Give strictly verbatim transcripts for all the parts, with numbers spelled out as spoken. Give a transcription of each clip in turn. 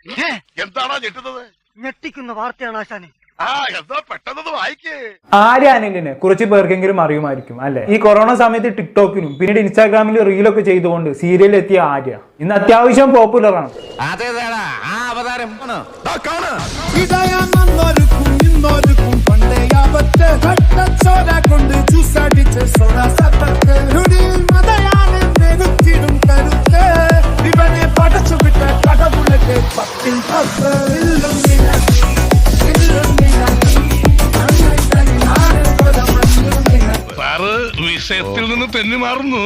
എന്താണോ ഞെട്ടുന്നത്? ഞെട്ടിക്കുന്ന വാർത്തയാണ് ആശാനെ. ആ എന്താ പെട്ടെന്ന് വായിക്കേ. ആര്യ അനിലിനെ കുറച്ച് പേർക്കെങ്കിലും അറിയുമായിരിക്കും അല്ലെ? ഈ കൊറോണ സമയത്ത് ടിക്ടോക്കിലും പിന്നീട് ഇൻസ്റ്റാഗ്രാമിലും റീലൊക്കെ ചെയ്തുകൊണ്ട് സീരിയലിൽ എത്തിയ ആര്യ ഇന്ന് അത്യാവശ്യം പോപ്പുലർ ആണ്. വിഷയത്തിൽ നിന്ന് തെന്നി മാറുന്നു.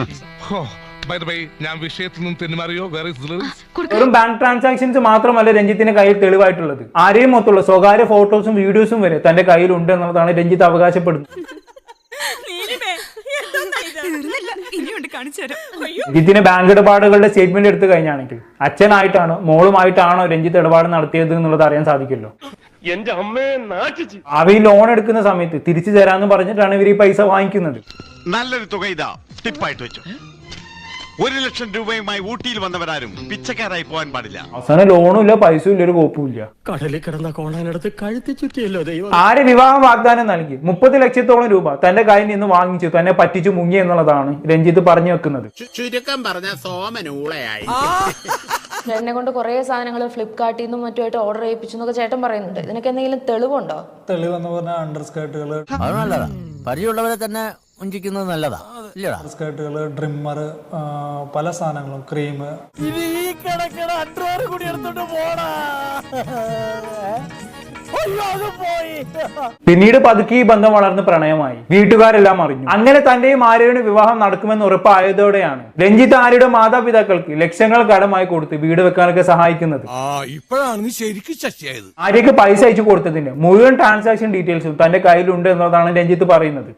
ഞാൻ വിഷയത്തിൽ നിന്ന് തെന്നി മാറിയോ? വെറും ബാങ്ക് ട്രാൻസാക്ഷൻസ് മാത്രമല്ല രഞ്ജിത്തിന്റെ കയ്യിൽ തെളിവായിട്ടുള്ളത്. ആരെയും മൊത്തമുള്ള സ്വകാര്യ ഫോട്ടോസും വീഡിയോസും വരെ തന്റെ കയ്യിലുണ്ട് എന്നുള്ളതാണ് രഞ്ജിത്ത് അവകാശപ്പെടുന്നത്. രഞ്ജിത്തിന് ബാങ്ക് ഇടപാടുകളുടെ സ്റ്റേറ്റ്മെന്റ് എടുത്തു കഴിഞ്ഞാണെങ്കിൽ അച്ഛനായിട്ടാണോ മോളുമായിട്ടാണോ രഞ്ജിത്ത് ഇടപാട് നടത്തിയത് എന്നുള്ളത് അറിയാൻ സാധിക്കുമല്ലോ. എന്റെ അമ്മയെ നാട്ടിച്ചു. അവയിൽ ലോൺ എടുക്കുന്ന സമയത്ത് തിരിച്ചു തരാന്ന് പറഞ്ഞിട്ടാണ് ഇവർ ഈ പൈസ വാങ്ങിക്കുന്നത്. നല്ലൊരു തുക ഇതാ ടിപ്പായിട്ട് വെച്ചു. ഒരു ലക്ഷം രൂപയുമായി ഊട്ടിയിൽ വന്നവരാരും പിച്ചക്കാരായി പോകാൻ പാടില്ല. അവസാനം ലോണും ഇല്ല, പൈസയും ഇല്ല, ഒരു കോപ്പും ഇല്ല. കടലിൽ കിടന്ന കോണാനെടുത്ത് കഴുത്തി ചുറ്റിയല്ലോ ദൈവം. ആര് വിവാഹ വാഗ്ദാനം നൽകി മുപ്പത് ലക്ഷത്തോളം രൂപ തന്റെ കയ്യിൽ നിന്ന് വാങ്ങിച്ചു തന്നെ പറ്റിച്ചു മുങ്ങി എന്നുള്ളതാണ് രഞ്ജിത്ത് പറഞ്ഞു വെക്കുന്നത്. ചുരുക്കം പറഞ്ഞ സോമനൂളയായി. ചേട്ടനെ കൊണ്ട് കുറെ സാധനങ്ങൾ ഫ്ലിപ്കാർട്ടിൽ നിന്നും മറ്റുമായിട്ട് ഓർഡർ ചെയ്യിപ്പിച്ചു എന്നൊക്കെ ചേട്ടൻ പറയുന്നുണ്ട്. ഇതിനൊക്കെ എന്തെങ്കിലും തെളിവുണ്ടോ? തെളിവെന്ന് പറഞ്ഞാൽ അണ്ടർ സ്കേർട്ടുകൾ അത് നല്ലതാ. പരിചയമുള്ളവരെ തന്നെ ഉഞ്ചിക്കുന്നത് നല്ലതാ. സ്കേർട്ടുകൾ, ട്രിമ്മർ, പല സാധനങ്ങളും, ക്രീം. പിന്നീട് പതുക്കെ ഈ ബന്ധം വളർന്ന് പ്രണയമായി. വീട്ടുകാരെല്ലാം അറിഞ്ഞു. അങ്ങനെ തന്റെയും ആര്യയുടെ വിവാഹം നടക്കുമെന്ന് ഉറപ്പായതോടെയാണ് രഞ്ജിത്ത് ആര്യയുടെ മാതാപിതാക്കൾക്ക് ലക്ഷങ്ങൾ കടമായി കൊടുത്ത് വീട് വെക്കാനൊക്കെ സഹായിക്കുന്നത്. ആര്യക്ക് പൈസ അയച്ചു കൊടുത്തതിന് മുഴുവൻ ട്രാൻസാക്ഷൻ ഡീറ്റെയിൽസും തന്റെ കയ്യിലുണ്ട് എന്നതാണ് രഞ്ജിത്ത് പറയുന്നത്.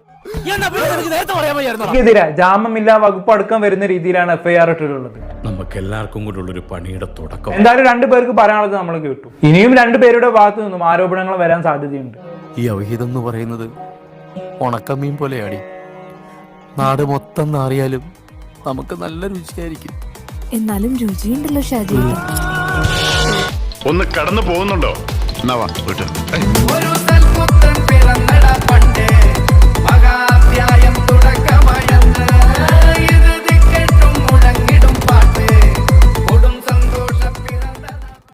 െതിരെ ജാമ്യമില്ലാ വകുപ്പ് അടക്കം വരുന്ന രീതിയിലാണ് എഫ്ഐആർ ഇട്ടിട്ടുള്ളത്. നമുക്ക് എല്ലാവർക്കും കൂടെ ഉള്ളൊരു പണിയുടെ തുടക്കം. എന്തായാലും രണ്ടുപേർക്ക് പറയാനുള്ളത് നമ്മൾ കേട്ടു. ഇനിയും രണ്ടുപേരുടെ ഭാഗത്തു നിന്നും ആരോപണങ്ങൾ വരാൻ സാധ്യതയുണ്ട്. ഈ അവിഹിതം എന്ന് പറയുന്നത് ഉണക്കമീൻ പോലെയാടി. നാട് മൊത്തം നാറിയാലും നമുക്ക് നല്ല രുചിയായിരിക്കും. എന്നാലും രുചിയുണ്ടല്ലോ ഷാജി. ഒന്ന് കടന്നു പോകുന്നുണ്ടോ?